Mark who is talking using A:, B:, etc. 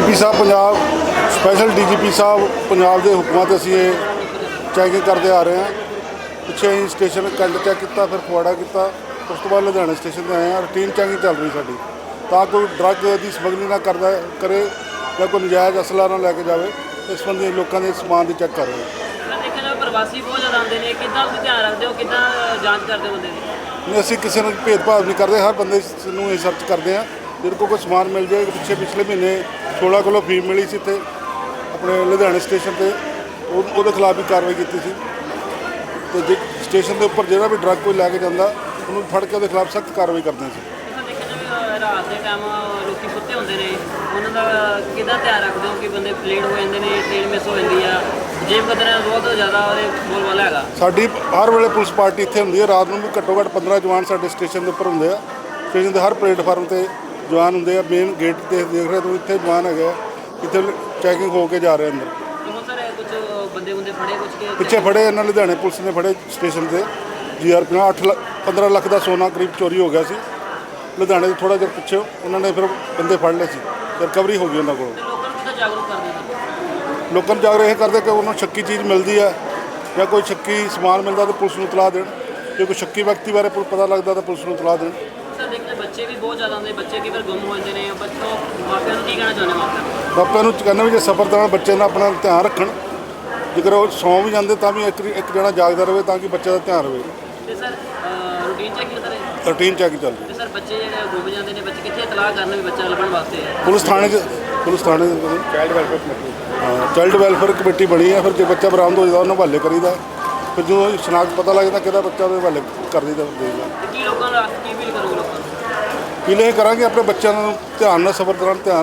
A: DGP ਸਾਹਿਬ Punjab special DGP ਸਾਹਿਬ ਪੰਜਾਬ ਦੇ ਹੁਕਮਾਂ ਤੇ ਅਸੀਂ ਇਹ ਚੈਕਿੰਗ ਕਰਦੇ ਆ ਰਹੇ ਹਾਂ। ਪਿੱਛੇ ਅਸੀਂ ਸਟੇਸ਼ਨ ਕੰਡ ਚੈੱਕ ਕੀਤਾ, ਫਿਰ ਫਗਵਾੜਾ ਕੀਤਾ, ਉਸ ਤੋਂ ਬਾਅਦ ਲੁਧਿਆਣਾ ਸਟੇਸ਼ਨ 'ਤੇ ਆਏ ਹਾਂ। ਰੂਟੀਨ ਚੈਕਿੰਗ ਚੱਲ ਰਹੀ ਸਾਡੀ, ਤਾਂ ਕੋਈ ਡਰੱਗ ਦੀ ਸਮਗਲਿੰਗ ਨਾ ਕਰੇ ਜਾਂ ਕੋਈ ਨਜਾਇਜ਼ ਅਸਲਾ ਨਾ ਲੈ ਕੇ ਜਾਵੇ। ਇਸ ਸੰਬੰਧੀ ਲੋਕਾਂ ਦੇ ਸਮਾਨ ਦੀ ਚੈੱਕ ਕਰ ਰਹੇ ਹਾਂ।
B: ਦੇਖਿਆ ਪ੍ਰਵਾਸੀ ਬਹੁਤ ਜ਼ਿਆਦਾ ਆਉਂਦੇ ਨੇ, ਕਿੱਦਾਂ ਤੁਸੀਂ ਧਿਆਨ ਰੱਖਦੇ ਹੋ, ਕਿੱਦਾਂ ਜਾਂਚ ਕਰਦੇ ਹੋ ਬੰਦੇ ਦੀ?
A: ਨਹੀਂ, ਅਸੀਂ ਕਿਸੇ ਨੂੰ ਭੇਦਭਾਵ ਨਹੀਂ ਕਰਦੇ, ਹਰ ਬੰਦੇ ਨੂੰ ਇਹ ਸਰਚ ਕਰਦੇ ਹਾਂ। ਜਿਹਦੇ ਕੋਲ ਕੋਈ ਸਮਾਨ ਮਿਲ ਜਾਏ। ਪਿਛਲੇ ਮਹੀਨੇ 16 ਕਿਲੋ ਫੀਮ ਮਿਲੀ ਸੀ ਇੱਥੇ ਆਪਣੇ ਲੁਧਿਆਣੇ ਸਟੇਸ਼ਨ 'ਤੇ, ਉਹਦੇ ਖਿਲਾਫ ਵੀ ਕਾਰਵਾਈ ਕੀਤੀ ਸੀ। ਅਤੇ ਜੇ ਸਟੇਸ਼ਨ ਦੇ ਉੱਪਰ ਜਿਹੜਾ ਵੀ ਡਰੱਗ ਕੋਈ ਲੈ ਕੇ ਜਾਂਦਾ ਉਹਨੂੰ ਫੜ ਕੇ ਉਹਦੇ ਖਿਲਾਫ ਸਖਤ ਕਾਰਵਾਈ ਕਰਦੇ ਸੀ।
B: ਦੇਖਿਆ ਜਾਵੇ ਰਾਤ ਦੇ ਟਾਈਮ ਲੋਕੀ ਸੁੱਤੇ ਹੁੰਦੇ ਨੇ, ਉਹਨਾਂ ਦਾ ਕਿੱਦਾਂ ਧਿਆਨ ਰੱਖਦੇ ਹੋ ਕਿ ਬੰਦੇ ਲੇਟ ਹੋ ਜਾਂਦੇ ਨੇ, ਟ੍ਰੇਨ ਮਿਸ ਹੋ ਜਾਂਦੀ ਆ, ਜੇਬ ਕਤਰਾ ਬਹੁਤ ਜ਼ਿਆਦਾ ਉਹਦੇ ਬੋਲਬਾਲਾ ਹੈਗਾ।
A: ਸਾਡੀ ਹਰ ਵੇਲੇ ਪੁਲਿਸ ਪਾਰਟੀ ਇੱਥੇ ਹੁੰਦੀ ਹੈ। ਰਾਤ ਨੂੰ ਵੀ ਘੱਟੋ ਘੱਟ 15 ਜਵਾਨ ਸਾਡੇ ਸਟੇਸ਼ਨ ਦੇ ਉੱਪਰ ਹੁੰਦੇ ਆ। ਸਟੇਸ਼ਨ ਦੇ ਹਰ ਪਲੇਟਫਾਰਮ 'ਤੇ ਜਵਾਨ ਹੁੰਦੇ ਆ। ਮੇਨ ਗੇਟ 'ਤੇ ਦੇਖ ਰਹੇ ਤੁਸੀਂ, ਇੱਥੇ ਜਵਾਨ ਹੈਗੇ ਆ, ਇੱਥੇ ਚੈਕਿੰਗ ਹੋ ਕੇ ਜਾ ਰਹੇ ਅੰਦਰ।
B: ਬਹੁਤ ਸਾਰੇ ਕੁਝ ਬੰਦੇ ਫੜੇ, ਕੁਝ
A: ਪਿੱਛੇ ਫੜੇ ਇਹਨਾਂ ਲੁਧਿਆਣੇ ਪੁਲਿਸ ਨੇ ਫੜੇ ਸਟੇਸ਼ਨ 'ਤੇ। GRP 15 ਲੱਖ ਦਾ ਸੋਨਾ ਕਰੀਬ ਚੋਰੀ ਹੋ ਗਿਆ ਸੀ ਲੁਧਿਆਣੇ ਤੋਂ ਥੋੜ੍ਹਾ ਜਿਹਾ ਪਿੱਛੇ। ਉਹਨਾਂ ਨੇ ਫਿਰ ਬੰਦੇ ਫੜ ਲਏ ਸੀ, ਰਿਕਵਰੀ ਹੋ ਗਈ ਉਹਨਾਂ ਕੋਲੋਂ।
B: ਲੋਕਾਂ ਨੂੰ ਕਿੱਦਾਂ ਜਾਗਰੂਕ ਕਰਦੇ ਨੇ?
A: ਲੋਕਾਂ ਨੂੰ ਜਾਗਰੂਕ ਇਹ ਕਰਦੇ ਕਿ ਉਹਨਾਂ ਨੂੰ ਸ਼ੱਕੀ ਚੀਜ਼ ਮਿਲਦੀ ਹੈ ਜਾਂ ਕੋਈ ਸ਼ੱਕੀ ਸਮਾਨ ਮਿਲਦਾ ਤਾਂ ਪੁਲਿਸ ਨੂੰ ਇਤਲਾਹ ਦੇਣ। ਜੇ ਕੋਈ ਸ਼ੱਕੀ ਵਿਅਕਤੀ ਬਾਰੇ ਪਤਾ ਲੱਗਦਾ ਤਾਂ ਪੁਲਿਸ ਨੂੰ ਇਤਲਾਹ ਦੇਣ।
B: ਸਰ ਦੇਖਦੇ ਬੱਚੇ ਵੀ ਬਹੁਤ ਜ਼ਿਆਦਾ ਆਉਂਦੇ, ਬੱਚੇ ਕਈ ਵਾਰ ਗੁੰਮ ਹੋ ਜਾਂਦੇ ਨੇ। ਬੱਚੋਂ ਮਾਪਿਆਂ ਨੂੰ ਕੀ ਕਹਿਣਾ ਚਾਹੁੰਦੇ ਮਾਪਿਆਂ?
A: ਮਾਪਿਆਂ ਨੂੰ ਕਹਿੰਦਾ ਵੀ ਜੇ ਸਫ਼ਰ ਦੌਰਾਨ ਬੱਚੇ ਦਾ ਆਪਣਾ ਧਿਆਨ ਰੱਖਣ। ਜੇਕਰ ਉਹ ਸੌਂ ਵੀ ਜਾਂਦੇ ਤਾਂ ਵੀ ਇੱਕ ਜਣਾ ਜਾਗਦਾ ਰਹੇ ਤਾਂ ਕਿ ਬੱਚੇ ਦਾ ਧਿਆਨ ਰਹੇ।
B: ਤੇ sir routine checking sir
A: routine check ਚੱਲ ਰਹੀ।
B: ਤੇ ਸਰ ਬੱਚੇ ਜਿਹੜੇ ਗੁੰਮ ਜਾਂਦੇ ਨੇ, ਬੱਚੇ ਕਿੱਥੇ ਇਤਲਾਹ ਕਰਨ ਵੀ ਬੱਚਾ ਲੱਭਣ ਵਾਸਤੇ?
A: ਪੁਲਿਸ ਥਾਣੇ child welfare committee, child welfare committee ਬਣੀ ਹੈ। ਫਿਰ ਜੇ ਬੱਚਾ ਬਰਾਮਦ ਹੋ ਜਾਂਦਾ ਉਹਨੂੰ ਹਵਾਲੇ ਕਰੀਦਾ। ਫਿਰ ਜਦੋਂ ਸ਼ਨਾਖਤ ਪਤਾ ਲੱਗਦਾ ਕਿਹਦਾ ਬੱਚਾ ਉਹਦੇ ਹਵਾਲੇ ਕਰ ਦਈਦਾ।
B: ਕੀ ਲੋਕਾਂ ਨੂੰ ਕੀ ਫੀਲ ਕਰੋਗੇ? ਲੋਕਾਂ ਨੂੰ
A: ਇਹ ਕਰਾਂਗੇ ਆਪਣੇ ਬੱਚਿਆਂ ਨੂੰ ਧਿਆਨ ਨਾਲ ਸਫ਼ਰ ਦੌਰਾਨ ਧਿਆਨ